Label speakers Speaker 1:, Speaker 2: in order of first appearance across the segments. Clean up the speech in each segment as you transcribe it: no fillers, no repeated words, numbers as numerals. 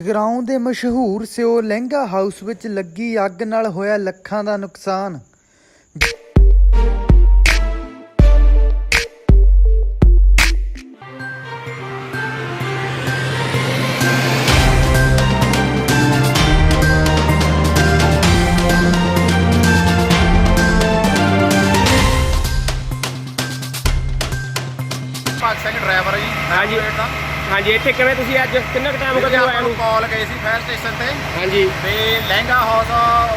Speaker 1: ਜਗਰਾਉਂ ਦੇ ਮਸ਼ਹੂਰ ਸਿਓ ਲਹਿੰਗਾ ਹਾਊਸ ਵਿੱਚ ਲੱਗੀ ਅੱਗ ਨਾਲ ਹੋਇਆ ਲੱਖਾਂ ਦਾ ਨੁਕਸਾਨ।
Speaker 2: ਸਿੰਘ ਡਰਾਈਵਰ ਜੀ।
Speaker 3: ਹਾਂਜੀ ਹਾਂਜੀ, ਇੱਥੇ ਕਿਵੇਂ ਤੁਸੀਂ ਅੱਜ ਕਿੰਨਾ ਕੁ ਟਾਈਮ ਹੋ ਗਿਆ ਆਇਆ ਨੂੰ?
Speaker 2: ਕਾਲ ਗਈ ਸੀ ਫਾਇਰ ਸਟੇਸ਼ਨ ਤੇ।
Speaker 3: ਹਾਂਜੀ,
Speaker 2: ਤੇ ਲਹਿੰਗਾ ਹਾਊਸ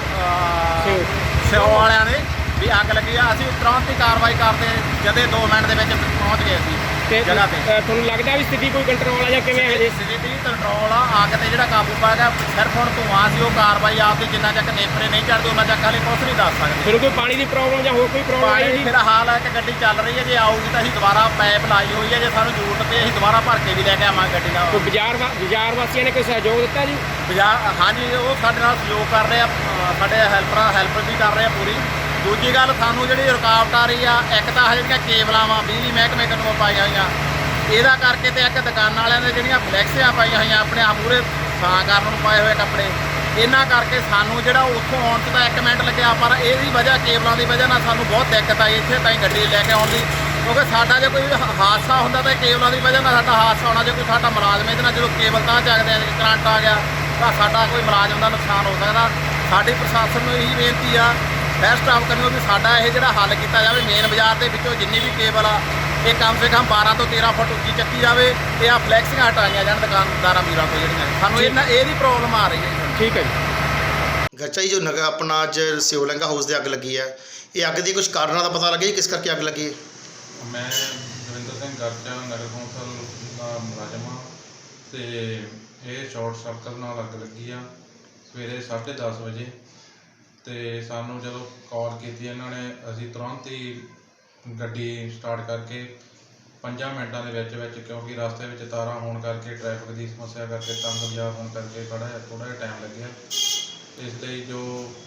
Speaker 2: ਸਿਓ ਵਾਲਿਆਂ ਨੇ ਵੀ ਅੱਗ ਲੱਗੀ ਆ। ਅਸੀਂ ਤੁਰੰਤ ਹੀ ਕਾਰਵਾਈ ਕਰਦੇ ਜਦੇ 2 ਮਿੰਟ ਦੇ ਵਿੱਚ ਪਹੁੰਚ ਗਏ ਸੀ
Speaker 3: ਤੇ
Speaker 2: ਜਗ੍ਹਾ ਤੇ।
Speaker 3: ਤੁਹਾਨੂੰ ਲੱਗਦਾ ਵੀ ਸਥਿਤੀ ਕੋਈ ਕੰਟਰੋਲ ਆ ਜਾਂ ਕਿਵੇਂ ਹੈ ਜੀ?
Speaker 2: ਸਥਿਤੀ ਕੰਟਰੋਲ ਆ। ਅੱਗ ਤੇ ਜਿਹੜਾ ਕਾਬੂ ਪਾ ਗਿਆ, ਸਿਰਫ ਹੁਣ ਧੂੰਆਂ ਸੀ। ਉਹ ਕਾਰਵਾਈ ਆਪਦੀ ਜਿੰਨਾ ਚੱਕ ਨੇਪਰੇ ਨਹੀਂ ਚੜਦੇ ਉਹਨਾਂ ਚੱਕ ਹਾਲੇ ਕੁਛ ਨਹੀਂ ਦੱਸ ਸਕਦੇ।
Speaker 3: ਫਿਰ ਕੋਈ ਪਾਣੀ ਦੀ ਪ੍ਰੋਬਲਮ ਜਾਂ ਹੋਰ ਕੋਈ ਪ੍ਰੋਬਲਮ ਆਈ ਜੀ?
Speaker 2: ਫਿਲਹਾਲ ਇੱਕ ਗੱਡੀ ਚੱਲ ਰਹੀ ਹੈ, ਜੇ ਆਊਗੀ ਤਾਂ ਅਸੀਂ ਦੁਬਾਰਾ ਪੈਪ ਲਾਈ ਹੋਈ ਹੈ। ਜੇ ਸਾਨੂੰ ਜ਼ਰੂਰਤ ਪਈ ਅਸੀਂ ਦੁਬਾਰਾ ਭਰ ਕੇ ਵੀ ਲੈ ਕੇ ਆਵਾਂਗੇ ਗੱਡੀ ਨਾਲ।
Speaker 3: ਕੋਈ ਬਾਜ਼ਾਰ ਵਾਸੀਆਂ ਨੇ ਕੋਈ ਸਹਿਯੋਗ ਦਿੱਤਾ ਜੀ?
Speaker 2: ਹਾਂਜੀ, ਉਹ ਸਾਡੇ ਨਾਲ ਸਹਿਯੋਗ ਕਰ ਰਹੇ ਆ। ਸਾਡੇ ਹੈਲਪ ਵੀ ਕਰ ਰਹੇ ਆ ਪੂਰੀ। ਦੂਜੀ ਗੱਲ, ਸਾਨੂੰ ਜਿਹੜੀ ਰੁਕਾਵਟ ਆ ਰਹੀ ਆ, ਇੱਕ ਤਾਂ ਜਿਹੜੀਆਂ ਕੇਬਲਾਂ ਵਾ ਬਿਜਲੀ ਮਹਿਕਮੇ ਨੂੰ ਪਾਈਆਂ ਹੋਈਆਂ, ਇਹਦਾ ਕਰਕੇ ਤੇ ਇੱਕ ਦੁਕਾਨਾਂ ਵਾਲਿਆਂ ਦੇ ਜਿਹੜੀਆਂ ਫਲੈਕਸੀਆਂ ਪਾਈਆਂ ਹੋਈਆਂ ਆਪਣੇ ਆਪ ਮੂਹਰੇ ਛਾਂ ਕਰਨ ਨੂੰ ਪਾਏ ਹੋਏ ਕੱਪੜੇ, ਇਹਨਾਂ ਕਰਕੇ ਸਾਨੂੰ ਜਿਹੜਾ ਉੱਥੋਂ ਆਉਣ 'ਚ ਤਾਂ 1 ਮਿੰਟ ਲੱਗਿਆ, ਪਰ ਇਹਦੀ ਵਜ੍ਹਾ ਕੇਬਲਾਂ ਦੀ ਵਜ੍ਹਾ ਨਾਲ ਸਾਨੂੰ ਬਹੁਤ ਦਿੱਕਤ ਆਈ ਇੱਥੇ ਤਾਈਂ ਗੱਡੀ ਲੈ ਕੇ ਆਉਣ ਦੀ। ਕਿਉਂਕਿ ਸਾਡਾ ਜੇ ਕੋਈ ਹਾਦਸਾ ਹੁੰਦਾ ਤਾਂ ਕੇਬਲਾਂ ਦੀ ਵਜ੍ਹਾ ਨਾਲ ਸਾਡਾ ਹਾਦਸਾ ਹੋਣਾ। ਜੇ ਕੋਈ ਸਾਡਾ ਮੁਲਾਜ਼ਮ ਇਹਦੇ ਨਾਲ ਜਦੋਂ ਕੇਬਲ ਤਾਂ ਚੱਕਦੇ ਆ, ਕਰੰਟ ਆ ਗਿਆ ਤਾਂ ਸਾਡਾ ਕੋਈ ਮੁਲਾਜ਼ਮ ਦਾ ਨੁਕਸਾਨ ਹੋ ਸਕਦਾ। ਸਾਡੀ ਪ੍ਰਸ਼ਾਸਨ ਨੂੰ ਇਹੀ ਬੇਨਤੀ ਆ, ਫਾਇਰ ਸਟਾਫ ਕਰਨੀ ਵੀ ਸਾਡਾ ਇਹ ਜਿਹੜਾ ਹੱਲ ਕੀਤਾ ਜਾਵੇ। ਮੇਨ ਬਾਜ਼ਾਰ ਦੇ ਵਿੱਚੋਂ ਜਿੰਨੀ ਵੀ ਕੇਬਲ ਆ, ਇਹ ਕਮ ਸੇ ਕਮ 12 ਤੋਂ 13 ਫੁੱਟ ਉੱਚੀ ਚੱਕੀ ਜਾਵੇ ਤੇ ਆ ਫਲੈਕਸੀਆਂ ਹਟਾਈਆਂ ਜਾਣ ਦੁਕਾਨਦਾਰਾਂ ਵੀਰਾਂ ਤੋਂ ਜਿਹੜੀਆਂ ਸਾਨੂੰ ਇਹਦੀ ਪ੍ਰੋਬਲਮ ਆ ਰਹੀ ਹੈ।
Speaker 3: ਠੀਕ ਹੈ ਜੀ।
Speaker 4: ਗੱਚਾ ਜੀ, ਜੋ ਨਗਾ ਆਪਣਾ ਅੱਜ ਸਿਓ ਲਹਿੰਗਾ ਹਾਊਸ ਦੇ ਅੱਗ ਲੱਗੀ ਹੈ, ਇਹ ਅੱਗ ਦੀ ਕੁਝ ਕਾਰਨਾਂ ਦਾ ਪਤਾ ਲੱਗਿਆ ਜੀ? ਕਿਸ ਕਰਕੇ ਅੱਗ ਲੱਗੀ ਹੈ?
Speaker 5: ਮੈਂ ਦਵਿੰਦਰ ਸਿੰਘ ਗਰਚਾ ਨਗਰ ਕੌਂਸਲ ਦਾ ਮੁਲਾਜ਼ਮ ਹਾਂ ਅਤੇ ਇਹ ਸ਼ਾਰਟ ਸਰਕਟ ਨਾਲ ਅੱਗ ਲੱਗੀ ਆ ਸਵੇਰੇ 10:30 ਵਜੇ। ਅਤੇ ਸਾਨੂੰ ਜਦੋਂ ਕਾਲ ਕੀਤੀ ਇਹਨਾਂ ਨੇ, ਅਸੀਂ ਤੁਰੰਤ ਹੀ ਗੱਡੀ ਸਟਾਰਟ ਕਰਕੇ 5 ਮਿੰਟਾਂ ਦੇ ਵਿੱਚ ਕਿਉਂਕਿ ਰਸਤੇ ਵਿੱਚ ਤਾਰਾਂ ਹੋਣ ਕਰਕੇ, ਟ੍ਰੈਫਿਕ ਦੀ ਸਮੱਸਿਆ ਕਰਕੇ, ਤੰਗ ਬਾਜ਼ਾਰ ਹੋਣ ਕਰਕੇ ਥੋੜ੍ਹਾ ਜਿਹਾ ਟਾਈਮ ਲੱਗਿਆ। ਇਸ ਲਈ ਜੋ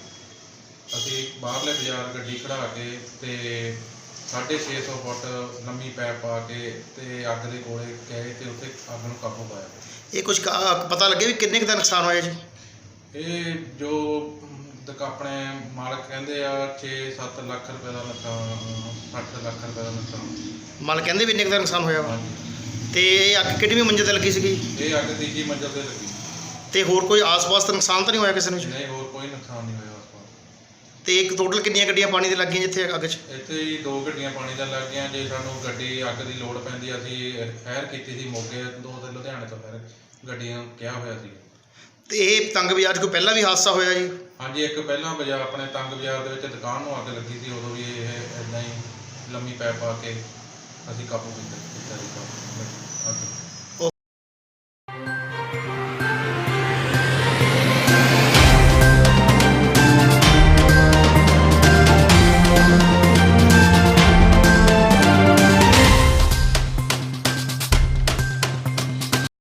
Speaker 5: ਅਸੀਂ ਬਾਹਰਲੇ ਬਾਜ਼ਾਰ ਗੱਡੀ ਖੜ੍ਹਾ ਕੇ ਅਤੇ 650 ਫੁੱਟ ਲੰਮੀ ਪੈਪ ਪਾ ਕੇ ਅਤੇ ਅੱਗ ਦੇ ਕੋਲੇ ਗਏ ਅਤੇ ਉੱਥੇ ਅੱਗ ਨੂੰ ਕਾਬੂ ਪਾਇਆ। ਇਹ ਕੁਝ
Speaker 4: ਪਤਾ ਲੱਗਿਆ ਵੀ ਕਿੰਨੇ ਕੁ ਦਾ ਨੁਕਸਾਨ ਹੋਇਆ ਜੀ?
Speaker 5: ਇਹ ਜੋ ਆਪਣੇ ਮਾਲਕ ਕਹਿੰਦੇ ਆ 6-7 ਲੱਖ ਰੁਪਏ ਦਾ ਨੁਕਸਾਨ, 60 ਲੱਖ ਰੁਪਏ ਦਾ ਨੁਕਸਾਨ
Speaker 4: ਮਾਲਕ ਕਹਿੰਦੇ ਵੀ ਇੰਨੇ ਕੁ ਦਾ ਨੁਕਸਾਨ ਹੋਇਆ ਵਾ।
Speaker 5: ਹਾਂਜੀ।
Speaker 4: ਤੇ ਇਹ ਅੱਗ ਕਿਹੜੀ ਮੰਜ਼ਿਲ ਤੇ ਲੱਗੀ ਸੀਗੀ?
Speaker 5: ਇਹ ਅੱਗ 3ਜੀ ਮੰਜ਼ਿਲ ਤੇ ਲੱਗੀ।
Speaker 4: ਤੇ ਹੋਰ ਕੋਈ ਆਸ-ਪਾਸ ਤਾਂ ਨੁਕਸਾਨ ਤਾਂ ਨਹੀਂ ਹੋਇਆ ਕਿਸੇ ਨੂੰ?
Speaker 5: ਨਹੀਂ, ਹੋਰ ਕੋਈ ਨੁਕਸਾਨ ਨਹੀਂ ਹੋਇਆ ਆਸ-ਪਾਸ।
Speaker 4: ਤੇ ਇੱਕ ਟੋਟਲ ਕਿੰਨੀਆਂ ਗੱਡੀਆਂ ਪਾਣੀ ਦੇ ਲੱਗੀਆਂ ਜਿੱਥੇ ਅੱਗ 'ਚ?
Speaker 5: ਇੱਥੇ ਹੀ 2 ਗੱਡੀਆਂ ਪਾਣੀ ਦਾ ਲੱਗ ਗਈਆਂ। ਜੇ ਸਾਨੂੰ ਗੱਡੀ ਅੱਗ ਦੀ ਲੋੜ ਪੈਂਦੀ, ਅਸੀਂ ਫਾਇਰ ਕੀਤੀ ਸੀ ਮੋਗੇ 2 ਤੇ ਲੁਧਿਆਣੇ ਤੋਂ ਫਾਇਰ ਗੱਡੀਆਂ ਕਿਹਾ ਹੋਇਆ ਸੀ।
Speaker 4: ਤੇ ਇਹ ਤੰਗ ਬਾਜ਼ਾਰ 'ਚ ਕੋਈ ਪਹਿਲਾਂ ਵੀ ਹਾਦਸਾ ਹੋਇਆ ਜੀ?
Speaker 5: ਹਾਂਜੀ, ਇੱਕ ਪਹਿਲਾਂ ਬਾਜ਼ਾਰ ਆਪਣੇ ਤੰਗ ਬਾਜ਼ਾਰ ਦੇ ਵਿੱਚ ਦੁਕਾਨ ਨੂੰ ਅੱਗ ਲੱਗੀ ਸੀ। ਉਦੋਂ ਵੀ ਇਹ ਇੱਦਾਂ ਹੀ ਲੰਮੀ ਪੈਪ ਪਾ ਕੇ ਅਸੀਂ ਕਾਬੂ ਕੀਤਾ ਸੀ ਅੱਗ।